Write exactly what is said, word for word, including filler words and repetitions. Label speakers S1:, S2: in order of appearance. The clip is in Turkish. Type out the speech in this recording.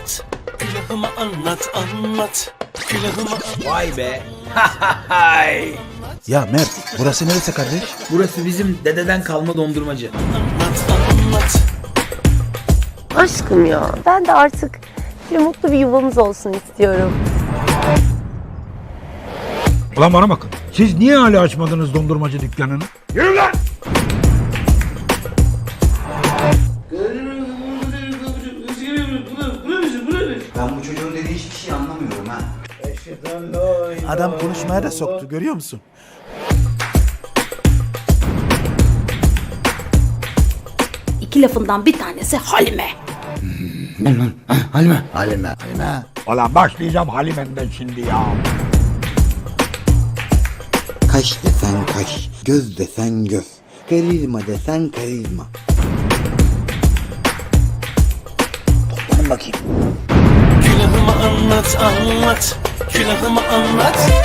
S1: anlat. Külahıma anlat anlat. Külahıma
S2: Vay be. Hay.
S3: Ya Mert, burası neresi kardeş?
S2: Burası bizim dededen kalma dondurmacı.
S1: anlat anlat.
S4: Aşkım ya, ben de artık bir mutlu bir yuvamız olsun istiyorum.
S5: Ulan bana bakın. Siz niye hala açmadınız dondurmacı dükkanını? Yürü lan!
S6: Ben bu çocuğun dediği hiçbir şey anlamıyorum ha.
S3: Adam konuşmaya da soktu, görüyor musun?
S7: İki lafından bir tanesi Halime.
S6: Halime.
S3: Halime. Halime.
S5: Ulan başlayacağım Halime'nden şimdi ya.
S6: Kaş desen kaş, göz desen göz, karizma desen karizma. Toplanın bakayım.
S1: Külahıma anlat anlat. Külahıma anlat.